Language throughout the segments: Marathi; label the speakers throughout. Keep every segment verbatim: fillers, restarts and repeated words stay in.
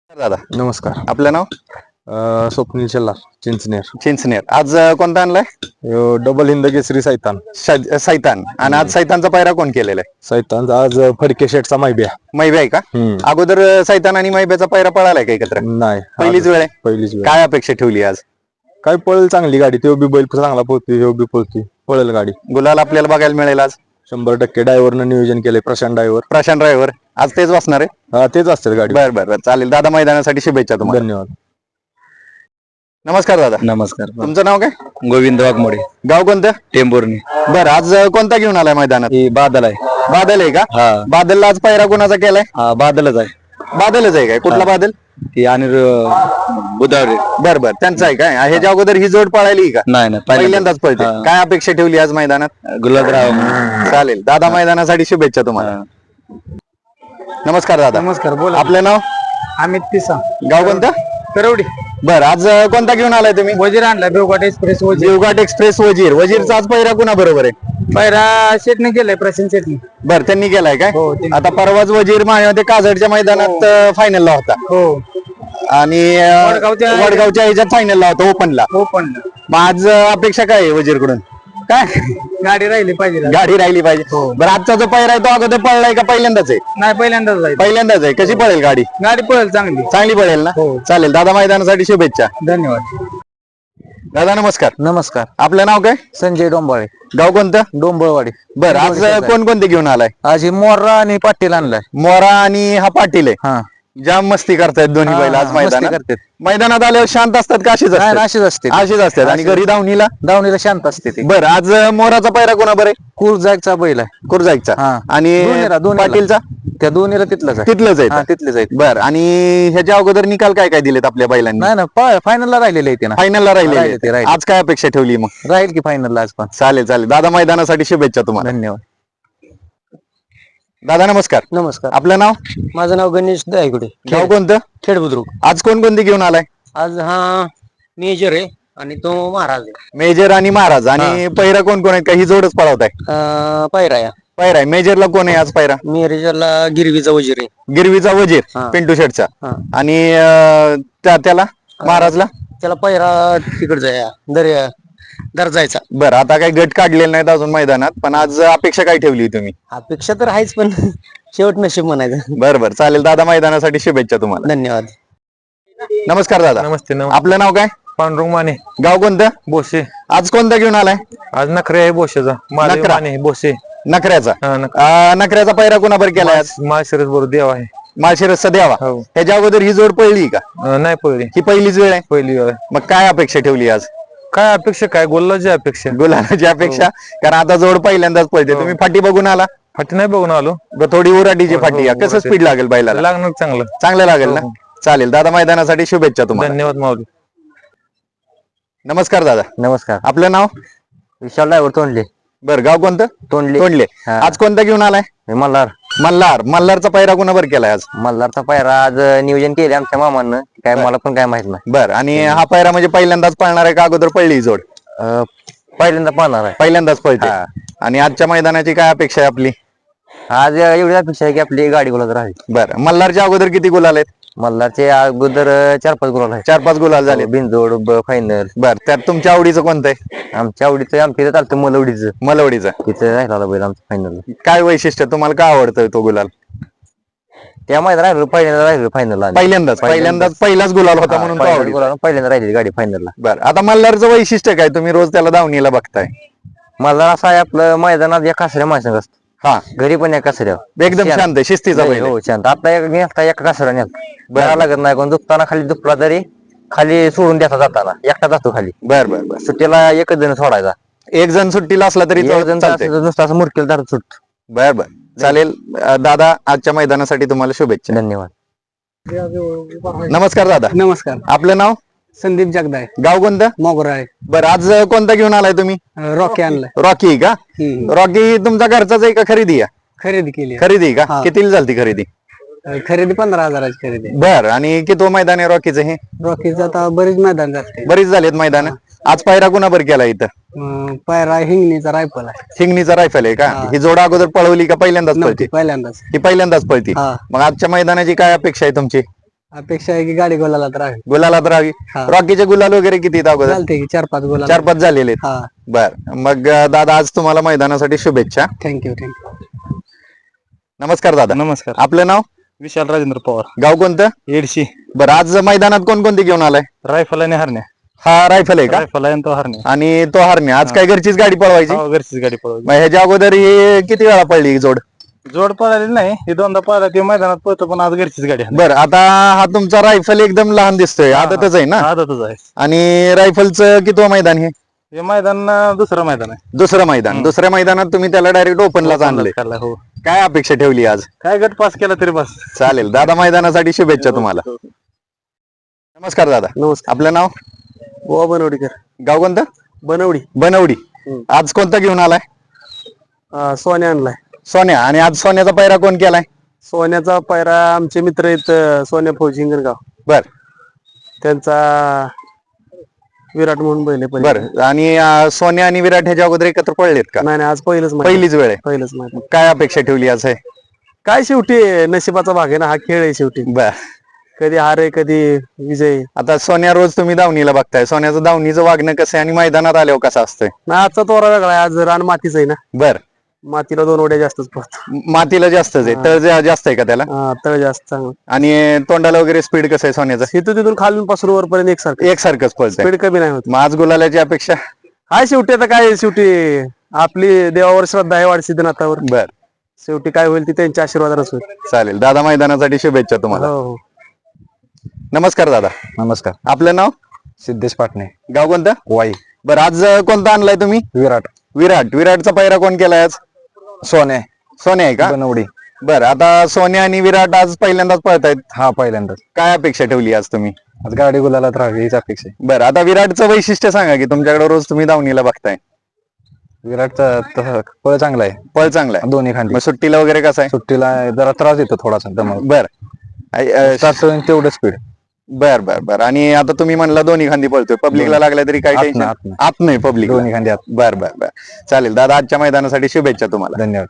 Speaker 1: दादा
Speaker 2: नमस्कार.
Speaker 1: आपलं नाव?
Speaker 2: अ, स्वप्नील शेलार, चिंचनेर.
Speaker 1: चिंचनेर. आज अ, कोणता आणलाय?
Speaker 2: यो डबल हिंद केसरी सैतान.
Speaker 1: शै- सैतान. आणि आज सैतानचा पायरा कोण केलेला आहे?
Speaker 2: सैतान आज फडके शेटचा मायब्या.
Speaker 1: मैबे आहे का?
Speaker 2: हम्म.
Speaker 1: अगोदर अ, सैतान आणि मैब्याचा पायरा पळालाय का एकत्र?
Speaker 2: नाही
Speaker 1: पहिलीच
Speaker 2: आज
Speaker 1: वेळ आहे?
Speaker 2: पहिलीच वेळ.
Speaker 1: काय अपेक्षा ठेवली आज?
Speaker 2: काय पळेल चांगली गाडी, तो बी बैल चांगला पोहते, ह्यो बी पोहते, पळेल गाडी
Speaker 1: गुलाल आपल्याला बघायला मिळेल आज?
Speaker 2: शंभर टक्के. ड्रायव्हरनं नियोजन केले, प्रशांत ड्रायव्हर.
Speaker 1: प्रशांत ड्रायव्हर आज तेच बसणार आहे?
Speaker 2: हा तेच असते गाडी.
Speaker 1: बर बर बर चालेल दादा, मैदानासाठी शुभेच्छा तुम्हाला.
Speaker 2: धन्यवाद.
Speaker 1: नमस्कार दादा.
Speaker 3: नमस्कार.
Speaker 1: तुमचं नाव काय?
Speaker 3: गोविंद वाघमोडे,
Speaker 1: गाव कोणतं?
Speaker 3: टेंभुर्णी.
Speaker 1: बर आज अ, कोणता घेऊन आलाय मैदानात?
Speaker 3: ही बादल आहे.
Speaker 1: बादल आहे का?
Speaker 3: हा
Speaker 1: बादलला आज पायरा कोणाचा केलाय?
Speaker 3: हा बादलच आहे.
Speaker 1: बादलच आहे काय? कुठला बादल?
Speaker 3: ती आणि बुधावरे.
Speaker 1: बर बर त्यांचा आहे काय? ह्याच्या अगोदर ही जोड पळाली का?
Speaker 3: नाही नाही
Speaker 1: पहिल्यांदाच पळते.
Speaker 3: हा.
Speaker 1: काय अपेक्षा ठेवली आज मैदानात?
Speaker 3: गुलाबराव.
Speaker 1: चालेल दादा, मैदानासाठी शुभेच्छा तुम्हाला. नमस्कार दादा.
Speaker 4: नमस्कार. बोला.
Speaker 1: आपलं नाव?
Speaker 4: अमित पिसा,
Speaker 1: गाव कोणतं?
Speaker 4: करवडी.
Speaker 1: बर आज अ, कोणता घेऊन आलाय तुम्ही?
Speaker 4: वजीर आणला बेवघाट एक्सप्रेस वजीर.
Speaker 1: देवघाट एक्सप्रेस वजीर. वजीरचा आज पहिरा कुणा बरोबर आहे?
Speaker 4: पहिला शेटने केलाय, प्रशांत शेटने.
Speaker 1: बर त्यांनी केलाय काय?
Speaker 4: हो, त्यांनी.
Speaker 1: आता परवाच वजीर माझ्या काजडच्या मैदानात फायनलला होता
Speaker 4: हो
Speaker 1: आणि अ,
Speaker 4: वडगावच्या-
Speaker 1: वडगावच्या ह्याच्यात फायनलला होता, ओपनला.
Speaker 4: हो पण
Speaker 1: मग आज अ, अपेक्षा काय आहे वजीरकडून?
Speaker 4: काय गाडी राहिली पाहिजे.
Speaker 1: गाडी राहिली पाहिजे.
Speaker 4: हो.
Speaker 1: बरं आजचा जो पहिरा आहे तो अगोदर पळलाय का पहिल्यांदाच आहे?
Speaker 4: नाही, पहिल्यांदाच जायचं.
Speaker 1: पहिल्यांदाच आहे. कशी पळेल गाडी?
Speaker 4: गाडी पळेल चांगली.
Speaker 1: चांगली पळेल ना?
Speaker 4: हो.
Speaker 1: चालेल दादा, मैदानासाठी शुभेच्छा.
Speaker 4: धन्यवाद.
Speaker 1: दादा नमस्कार.
Speaker 4: नमस्कार.
Speaker 1: आपलं नाव काय?
Speaker 4: संजय डोंबाळे,
Speaker 1: गाव कोणतं?
Speaker 4: डोंबळवाडी.
Speaker 1: बरं आज कोणकोणते घेऊन आलाय?
Speaker 4: आज ही मोर्रा आणि पाटील आणलाय.
Speaker 1: मोरा आणि हा पाटील आहे.
Speaker 4: हा
Speaker 1: जाम मस्ती करतायत दोन्ही
Speaker 4: हा,
Speaker 1: बैल आज
Speaker 4: मस्ती
Speaker 1: मैदानात.
Speaker 4: करतात.
Speaker 1: मैदानात आल्यावर शांत असतात का अशीच
Speaker 4: नाही,
Speaker 1: असतात?
Speaker 4: अशीच असते.
Speaker 1: अशीच असतात. आणि घरी धावणीला?
Speaker 4: दावणीला शांत असते ती.
Speaker 1: बरं आज मोराचा पैरा कोणा बरं आहे?
Speaker 4: कुरजागचा बैल आहे.
Speaker 1: कुरजाईचा.
Speaker 4: हा.
Speaker 1: आणि
Speaker 4: दोन्हीला- दोन्हीला.
Speaker 1: पाटीलचा?
Speaker 4: त्या दोन्हीला तिथलंच आहे.
Speaker 1: तिथलंच
Speaker 4: हा
Speaker 1: आहे.
Speaker 4: तिथलेच आहेत.
Speaker 1: बर आणि ह्याच्या अगोदर निकाल काय काय दिलेत आपल्या बैलांनी?
Speaker 4: नाही ना, फायनलला राहिलेले आहे ते ना.
Speaker 1: फायनलला
Speaker 4: राहिले ते,
Speaker 1: राहिले.
Speaker 4: राहिले.
Speaker 1: आज काय अपेक्षा ठेवली मग?
Speaker 4: राहील की फायनलला आज पण.
Speaker 1: चालेल चालेल दादा, मैदानासाठी शुभेच्छा तुम्हाला.
Speaker 4: धन्यवाद.
Speaker 1: दादा नमस्कार.
Speaker 4: नमस्कार.
Speaker 1: आपलं नाव?
Speaker 4: माझं नाव गणेश दायगुडे,
Speaker 1: गाव कोणतं?
Speaker 4: खेड बुद्रुक.
Speaker 1: आज कोणकोणती घेऊन आलाय?
Speaker 4: आज हा मेजर आहे आणि तो महाराज आहे.
Speaker 1: मेजर आणि महाराज. आणि पैरा कोण कोण आहेत? का ही जोडच पळवताय?
Speaker 4: अं, पायरा या
Speaker 1: पैरा आहे. मेजरला कोण आहे आज पैरा?
Speaker 4: मेजरला गिरवीचा वजीर आहे.
Speaker 1: गिरवीचा वजीर,
Speaker 4: हा.
Speaker 1: पिंटू शेटचा.
Speaker 4: हा.
Speaker 1: आणि अं, त्या- त्याला महाराजला?
Speaker 4: त्याला पायरा तिकडचा या दर्या दर्जायचा.
Speaker 1: बरं आता काही गट काढलेले नाहीत अजून मैदानात, पण आज अपेक्षा काय ठेवली तुम्ही?
Speaker 4: अपेक्षा तर आहेच पण शेवट नशीब म्हणायचं.
Speaker 1: बरं बरं चालेल दादा, मैदानासाठी शुभेच्छा तुम्हाला.
Speaker 4: धन्यवाद.
Speaker 1: नमस्कार दादा.
Speaker 2: नमस्ते. नमस्ते.
Speaker 1: आपलं नाव काय?
Speaker 2: पांडुरंग माने,
Speaker 1: गाव कोणतं?
Speaker 2: बोसे.
Speaker 1: आज कोणता घेऊन आलाय?
Speaker 2: आज नखरे आहे बोशेचा. महादेव
Speaker 1: नखरा.
Speaker 2: माने, बोसे.
Speaker 1: नखऱ्याचा.
Speaker 2: हा, नख-
Speaker 1: अं, नखऱ्याचा पैरा कोणाबर केलाय आज?
Speaker 2: माळशिरस बरोबर देव आहे.
Speaker 1: माळशिरसचा द्यावा.
Speaker 2: हो.
Speaker 1: ह्याच्या अगोदर ही जोड पडली का?
Speaker 2: अं, नाही पळली,
Speaker 1: ही पहिलीच वेळ आहे.
Speaker 2: पहिली वेळ.
Speaker 1: मग काय अपेक्षा ठेवली आज?
Speaker 2: काय अपेक्षा, काय गोल्लाची अपेक्षा.
Speaker 1: गुलाबाची अपेक्षा? कारण आता जोड पहिल्यांदाच पळते. तुम्ही फाटी बघून आला?
Speaker 2: फाटी नाही बघून आलो.
Speaker 1: बरं, थोडी उराटीची
Speaker 2: हो,
Speaker 1: फाटी आहे.
Speaker 2: हो,
Speaker 1: कसं
Speaker 2: उराटी.
Speaker 1: स्पीड लागेल बैलाला?
Speaker 2: लागणार चांगलं.
Speaker 1: चांगलं लागेल ना?
Speaker 2: हो.
Speaker 1: चालेल दादा, मैदानासाठी शुभेच्छा तुम्हाला.
Speaker 2: धन्यवाद माऊली.
Speaker 1: नमस्कार दादा.
Speaker 4: नमस्कार.
Speaker 1: आपलं नाव?
Speaker 4: विशाल ड्रायव्हर तोंडले.
Speaker 1: बरं गाव कोणतं?
Speaker 4: तोंडले.
Speaker 1: तोंडले.
Speaker 4: हा.
Speaker 1: आज कोणता घेऊन आलाय?
Speaker 4: मल्हार.
Speaker 1: मल्हार. मल्हारचा पैरा कोणाबर केलाय आज?
Speaker 4: मल्हारचा पायरा आज नियोजन केले आमच्या मामानं. काय मला पण काय माहित नाही.
Speaker 1: बर आणि हा पैरा म्हणजे पहिल्यांदाच पळणार आहे का अगोदर पळली ही जोड?
Speaker 4: अं, पहिल्यांदा पाहणार आहे.
Speaker 1: पहिल्यांदाच पळते.
Speaker 4: हा.
Speaker 1: आणि आजच्या मैदानाची काय अपेक्षा आहे आपली?
Speaker 4: आज एवढी अपेक्षा आहे की आपली गाडी गुलाल राहील.
Speaker 1: बरं मल्हारच्या अगोदर किती गुलाल आहेत?
Speaker 4: मल्हारचे अगोदर चार पाच गुलाल आहे.
Speaker 1: चार पाच गुलाल झाले.
Speaker 4: बिनजोड फायनल.
Speaker 1: बर त्यात तुमच्या आवडीचं कोणतं आहे?
Speaker 4: आमच्या आवडीचं आमच्या इथं चालतं मलवडीचं.
Speaker 1: मलवडीचं.
Speaker 4: तिथे राहिला बैल आमचं फायनल.
Speaker 1: काय वैशिष्ट्य तुम्हाला काय आवडतं तो गुलाल?
Speaker 4: त्या मैदान राहिलो पहिल्यांदा राहिलो फायनल.
Speaker 1: पहिल्यांदाच पहिल्यांदाच पहिलाच गुलाल होता म्हणून तो आवडीचा.
Speaker 4: पहिल्यांदा राहिली गाडी फायनलला.
Speaker 1: बरं आता मल्हारचं वैशिष्ट्य काय? तुम्ही रोज त्याला धावणीला बघताय.
Speaker 4: मला असं आहे आपलं मैदानात या कासऱ्या माणसं असतं.
Speaker 1: हा
Speaker 4: घरी पण या कासऱ्या
Speaker 1: एकदम शांत आहे, शिस्तीचा बैल आहे.
Speaker 4: हो शांत. आता एक नेता एका कासऱ्या नेत बरा लागत नाही. कोण दुखताना खाली दुखला तरी खाली सोडून द्यायचा जाताना एकटा जातो खाली.
Speaker 1: बर बर बर.
Speaker 4: सुट्टीला एकच जण सोडायचा.
Speaker 1: एक जण सुट्टीला असला तरी
Speaker 4: एक
Speaker 1: तो
Speaker 4: जण
Speaker 1: चालतंय.
Speaker 4: असं नुसतं असं मुरकेल धरत सुट.
Speaker 1: बर बर चालेल. अं, दादा आजच्या मैदानासाठी तुम्हाला शुभेच्छा.
Speaker 4: धन्यवाद.
Speaker 1: नमस्कार दादा.
Speaker 4: नमस्कार.
Speaker 1: आपलं नाव?
Speaker 4: संदीप जगदाय,
Speaker 1: गाव कोणतं?
Speaker 4: मोगरा आहे.
Speaker 1: बरं आज कोणता घेऊन आलाय तुम्ही?
Speaker 4: रॉकी आणलाय.
Speaker 1: रॉकी का? रॉकी तुमचा घरचाच आहे का खरेदी आहे?
Speaker 4: खरेदी केली.
Speaker 1: खरेदी का?
Speaker 4: हा.
Speaker 1: कितीला झालती खरेदी?
Speaker 4: खरेदी पंधरा हजाराची खरेदी.
Speaker 1: बर आणि किती मैदान आहे रॉकीचं हे?
Speaker 4: रॉकीचं आता बरीच मैदान जाते.
Speaker 1: बरीच झालेत मैदान. आज पायरा कुणाबर केला इथं?
Speaker 4: अं, पायरा हिंगणीचा रायफल आहे.
Speaker 1: हिंगणीचा रायफल आहे का? ही जोडा अगोदर पळवली का पहिल्यांदाच
Speaker 4: नव्हती
Speaker 1: पळती?
Speaker 4: पहिल्यांदाच.
Speaker 1: ही पहिल्यांदाच पळती.
Speaker 4: हा.
Speaker 1: मग आजच्या मैदानाची काय अपेक्षा आहे तुमची?
Speaker 5: अपेक्षा आहे की गाडी गोलाला तर आहे.
Speaker 1: गुलालात राहावी.
Speaker 5: हा.
Speaker 1: रॉकीचे गुलाल वगैरे किती आहेत अगोदर?
Speaker 5: चालते की चार पाच गोला.
Speaker 1: चार पाच झालेले आहेत.
Speaker 5: हा.
Speaker 1: बर मग अं, दादा आज तुम्हाला मैदानासाठी शुभेच्छा.
Speaker 5: Thank you thank you.
Speaker 1: नमस्कार दादा.
Speaker 3: नमस्कार.
Speaker 1: आपलं नाव?
Speaker 3: विशाल राजेंद्र पवार,
Speaker 1: गाव कोणतं?
Speaker 3: एडशी.
Speaker 1: बरं आज मैदानात कोणकोणती घेऊन आलाय?
Speaker 3: रायफल आणि हरण्या.
Speaker 1: हा रायफल आहे का?
Speaker 3: रायफल आहे आणि तो हरण्या.
Speaker 1: आणि तो हरणे आज काय घरचीच गाडी पळवायची?
Speaker 3: हो, घरचीच गाडी पळवली.
Speaker 1: मग ह्याच्या अगोदर ही किती वेळा पडली ही जोड?
Speaker 3: जोड पळाली नाही, ही दोनदा पळाला ती मैदानात पळतो, पण आज घरचीच गाडी आहे.
Speaker 1: बर आता हा तुमचा रायफल एकदम लहान दिसतोय, आदतच आहे ना?
Speaker 3: आदतच आहे.
Speaker 1: आणि रायफलचं कितवं मैदान हे?
Speaker 3: हे मैदान अं, दुसरं मैदान आहे.
Speaker 1: दुसरं मैदान. दुसऱ्या मैदानात तुम्ही त्याला डायरेक्ट ओपनलाच आणले.
Speaker 3: खाल्लाय, हो.
Speaker 1: काय अपेक्षा ठेवली आज?
Speaker 3: काय गट पास केला तरी बस.
Speaker 1: चालेल दादा, मैदानासाठी शुभेच्छा तुम्हाला. नमस्कार दादा.
Speaker 5: नमस्कार.
Speaker 1: आपलं नाव?
Speaker 5: गोवा बनवडीकर.
Speaker 1: गाव कोणतं?
Speaker 5: बनवडी.
Speaker 1: बनवडी. आज कोणता घेऊन आलाय?
Speaker 5: अं, सोन्या आणलाय.
Speaker 1: सोन्या. आणि आज सोन्याचा पैरा कोण केलाय?
Speaker 5: सोन्याचा पायरा आमचे मित्र आहेत अं, सोन्या फौजी हिंगणगाव.
Speaker 1: बर
Speaker 5: त्यांचा विराट म्हणून बैल आहे पहिले.
Speaker 1: बर. आणि अं, सोन्या आणि विराट ह्याच्या अगोदर एकत्र पडलेत का?
Speaker 5: नाही नाही आज पहिलंच मैदान.
Speaker 1: पहिलीच वेळ आहे.
Speaker 5: पहिलंच मैदान.
Speaker 1: काय अपेक्षा ठेवली आज आहे?
Speaker 5: काय शेवटी नशिबाचा भाग आहे ना, हा खेळ आहे शेवटी.
Speaker 1: बर.
Speaker 5: कधी हार आहे कधी विजय आहे.
Speaker 1: आता सोन्या रोज तुम्ही दावणीला बघताय, सोन्याचं दावणीचं वागणं कसं आहे आणि मैदानात आल्यावर कसं असतंय?
Speaker 5: ना आजचा तोरा वेगळा आहे, आज रान मातीच आहे ना,
Speaker 1: बर.
Speaker 5: मातीला दोन ओढ्या जास्तच पडतो.
Speaker 1: मातीला जास्तच आहे, तळ जा- जास्त आहे का त्याला?
Speaker 5: हा, तळ जास्त चांगलं.
Speaker 1: आणि तोंडाला वगैरे स्पीड कसं आहे सोन्याचं?
Speaker 5: इथून तिथून खालून पासून वरपर्यंत एकसारखं
Speaker 1: एकसारखंच पळतंय.
Speaker 5: स्पीड कमी नाही होत.
Speaker 1: मग आज गुलालाची अपेक्षा?
Speaker 5: हाय शेवटी आता काय शेवटी आपली देवावर श्रद्धा आहे, वाढ सिद्धनाथावर.
Speaker 1: बर
Speaker 5: शेवटी काय होईल ती त्यांच्या आशीर्वादानच होईल.
Speaker 1: चालेल दादा, मैदानासाठी शुभेच्छा तुम्हाला.
Speaker 5: हो हो.
Speaker 1: नमस्कार दादा.
Speaker 2: नमस्कार.
Speaker 1: आपलं नाव?
Speaker 2: सिद्धेश पाटणे,
Speaker 1: गाव कोणतं?
Speaker 2: वाई.
Speaker 1: बरं आज अं, कोणता आणलाय तुम्ही?
Speaker 2: विराट.
Speaker 1: विराट. विराटचा पैरा कोण केलाय आज?
Speaker 2: सोने,
Speaker 1: सोन्या आहे का?
Speaker 2: बनवडी.
Speaker 1: बरं आता सोन्या आणि विराट आज पहिल्यांदाच पळतायत,
Speaker 2: हा पहिल्यांदाच.
Speaker 1: काय अपेक्षा ठेवली आज तुम्ही?
Speaker 2: आज गाडी गुलालात राहावी हीच अपेक्षा आहे.
Speaker 1: बरं आता विराटचं वैशिष्ट्य सांगा की तुमच्याकडे रोज तुम्ही दावणीला बघताय.
Speaker 2: विराटचा तसं पळ चांगला आहे,
Speaker 1: पळ चांगला आहे.
Speaker 2: दोन्ही खांदी.
Speaker 1: मग सुट्टीला वगैरे कसं आहे?
Speaker 2: सुट्टीला जरा त्रास येतो थोडासा दमक.
Speaker 1: बर आय- अं,
Speaker 2: स्टार्ट तेवढं स्पीड.
Speaker 1: बर बर बर. आणि आता तुम्ही म्हणला दोन्ही खांदी पळतोय, पब्लिकला लागल्या तरी काय
Speaker 2: आत
Speaker 1: टेन्शन?
Speaker 2: नाही, आत नाही.
Speaker 1: आत नाही पब्लिक.
Speaker 2: दोन्ही खांदी आत.
Speaker 1: बर बर बर. चालेल दादा, आजच्या मैदानासाठी शुभेच्छा तुम्हाला.
Speaker 2: धन्यवाद.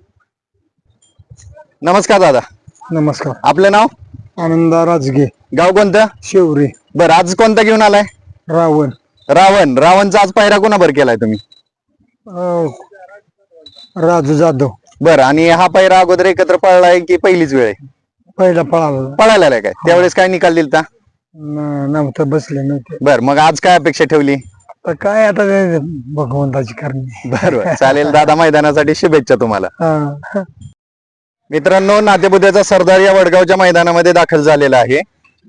Speaker 1: नमस्कार दादा.
Speaker 5: नमस्कार.
Speaker 1: आपलं नाव?
Speaker 5: आनंदा राजगे,
Speaker 1: गाव कोणतं?
Speaker 5: शेवरी.
Speaker 1: बर आज कोणता घेऊन आलाय?
Speaker 5: रावण.
Speaker 1: रावण. रावणचा आज पायरा कोणाबर केलाय तुम्ही?
Speaker 5: राजू जाधव.
Speaker 1: बर. आणि हा पायरा अगोदर एकत्र पळलाय की पहिलीच वेळ आहे?
Speaker 5: पहिला पळाला
Speaker 1: पळायला आलाय काय? त्यावेळेस काय निकाल दिलता?
Speaker 5: नव्हतं, बसले नव्हते.
Speaker 1: बर. मग आज काय अपेक्षा ठेवली?
Speaker 5: तर काय आता ते भगवंताची करणी.
Speaker 1: बरोबर. चालेल दादा, मैदानासाठी शुभेच्छा तुम्हाला.
Speaker 5: हा.
Speaker 1: मित्रांनो, नातेपुत्याचा सरदार या वडगावच्या मैदानामध्ये दाखल झालेला आहे.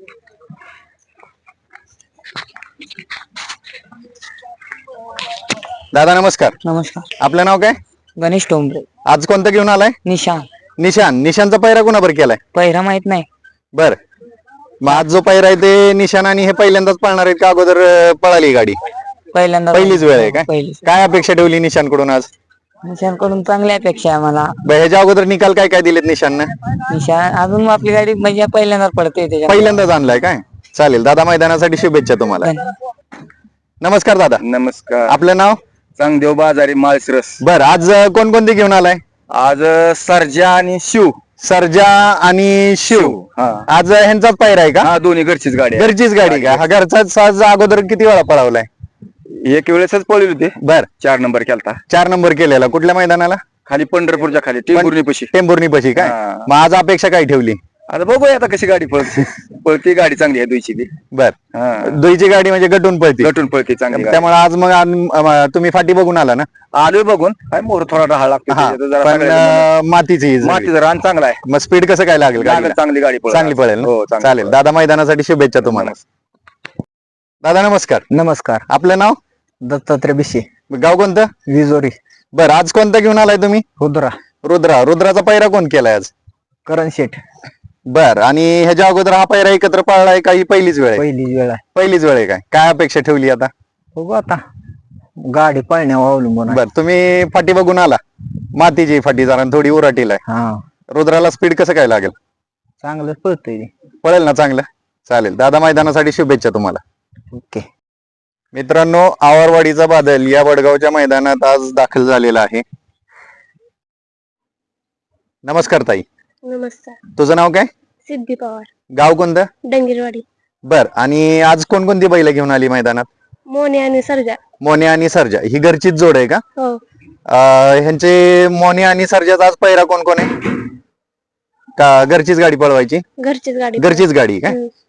Speaker 1: दादा नमस्कार.
Speaker 6: नमस्कार.
Speaker 1: आपलं नाव काय?
Speaker 6: गणेश टोंबरे.
Speaker 1: आज कोणतं घेऊन आलाय?
Speaker 6: निशान.
Speaker 1: निशान. निशानचा पैरा कोणाबर केलाय?
Speaker 6: पहिरा माहित नाही.
Speaker 1: बर. मग आज जो पैरा आहे ते निशान आणि हे पहिल्यांदाच पळणार आहेत का अगोदर अं, पळाली गाडी?
Speaker 6: पहिल्यांदा
Speaker 1: पहिलीच वेळ आहे काय?
Speaker 6: पहिलीच.
Speaker 1: काय अपेक्षा ठेवली निशान कडून आज?
Speaker 6: निशान कडून चांगली अपेक्षा आहे मला.
Speaker 1: ब- ह्याच्या अगोदर निकाल काय काय दिलेत निशाननं?
Speaker 6: निशान अजून मग आपली गाडी म्हणजे पहिल्यांदा पडते त्याच्या.
Speaker 1: पहिल्यांदाच आणलाय काय? चालेल दादा, मैदानासाठी शुभेच्छा तुम्हाला. नमस्कार दादा.
Speaker 3: नमस्कार.
Speaker 1: आपलं नाव?
Speaker 3: चांगदेव बाजारी, माळशिरस.
Speaker 1: बर. आज अं, कोणकोणते घेऊन आलाय?
Speaker 3: आज अं, सर्जा आणि शिव.
Speaker 1: सर्जा आणि शिव.
Speaker 3: हा.
Speaker 1: आज अं, ह्यांचाच पायरा आहे का?
Speaker 3: हा, दोन्ही घरचीच गाडी आहे.
Speaker 1: घरचीच गाडी का? हा घरचाच साज अगोदर किती वेळा पळवलाय?
Speaker 3: एक वेळेसच पळली होती.
Speaker 1: बर.
Speaker 3: चार नंबर केलता
Speaker 1: चार नंबर केलेला. कुठल्या मैदानाला?
Speaker 3: खाली पंढरपूरच्या खाली टेंभुर्णी पशी.
Speaker 1: टेंभुर्णी पशी काय?
Speaker 3: हा.
Speaker 1: मग आज अपेक्षा काय ठेवली?
Speaker 3: आता बघूया आता कशी गाडी पळते. पळती गाडी चांगली आहे दुईची ती.
Speaker 1: बर.
Speaker 3: हा,
Speaker 1: दुईची गाडी म्हणजे गटून पळती,
Speaker 3: गटून पळते चांगली गाडी.
Speaker 1: त्यामुळे आज मग आन- अं, तुम्ही फाटी बघून आला ना?
Speaker 3: आलोय बघून. काय मोर थोडा राहा लागतो
Speaker 1: हा.
Speaker 3: त्याच्यात जरा
Speaker 1: पण
Speaker 3: सगळ्या-
Speaker 1: अं, मातीची ही सगळी.
Speaker 3: मातीचं रान चांगला आहे.
Speaker 1: मग स्पीड कसं काय लागेल गाडीला?
Speaker 3: चांगली गाडी पळेल.
Speaker 1: चांगली पळेल ना?
Speaker 3: हो, चांगली
Speaker 1: चालेल
Speaker 3: पळेल.
Speaker 1: दादा, मैदानासाठी शुभेच्छा तुम्हाला. दादा नमस्कार.
Speaker 5: नमस्कार.
Speaker 1: आपलं नाव?
Speaker 5: दत्तात्रय बिशे,
Speaker 1: गाव कोणतं?
Speaker 5: विजोरी.
Speaker 1: बर. आज कोणता घेऊन आलाय तुम्ही?
Speaker 5: रुद्रा.
Speaker 1: रुद्रा. रुद्राचा पैरा कोण केलाय आज?
Speaker 5: करण शेठ.
Speaker 1: बर. आणि ह्याच्या अगोदर हा पैरा एकत्र पाळलाय का ही पहिलीच वेळ आहे?
Speaker 5: पहिली वेळ आहे.
Speaker 1: पहिलीच वेळ आहे काय? काय अपेक्षा ठेवली आता?
Speaker 5: बघू आता गाडी पळण्यावर अवलंबून आहे.
Speaker 1: बर. तुम्ही फाटी बघून आला? मातीची फाटी जरा थोडी उराटीला आहे.
Speaker 5: हा,
Speaker 1: रुद्राला स्पीड कसं काय लागेल?
Speaker 5: चांगलं पळतंय.
Speaker 1: पळेल ना चांगलं? चालेल दादा, मैदानासाठी शुभेच्छा तुम्हाला.
Speaker 5: ओके.
Speaker 1: मित्रांनो, आवरवाडीचा बादल या वडगावच्या मैदानात आज दाखल झालेला आहे. नमस्कार ताई.
Speaker 7: नमस्कार.
Speaker 1: तुझं नाव काय?
Speaker 7: सिद्धी पवार.
Speaker 1: गाव कोणतं?
Speaker 7: डंगीरवाडी.
Speaker 1: बर. आणि आज कोणकोणती बैल घेऊन आली मैदानात?
Speaker 7: मोने आणि सर्जा.
Speaker 1: मोने आणि सर्जा ही घरचीच जोड आहे का?
Speaker 7: हो.
Speaker 1: अं, ह्यांचे मोने आणि सर्जाचा आज पहिरा कोण कोण आहे? का घरचीच गाडी पळवायची?
Speaker 7: घरचीच गाडी.
Speaker 1: घरचीच गाडी का?
Speaker 7: हम्म.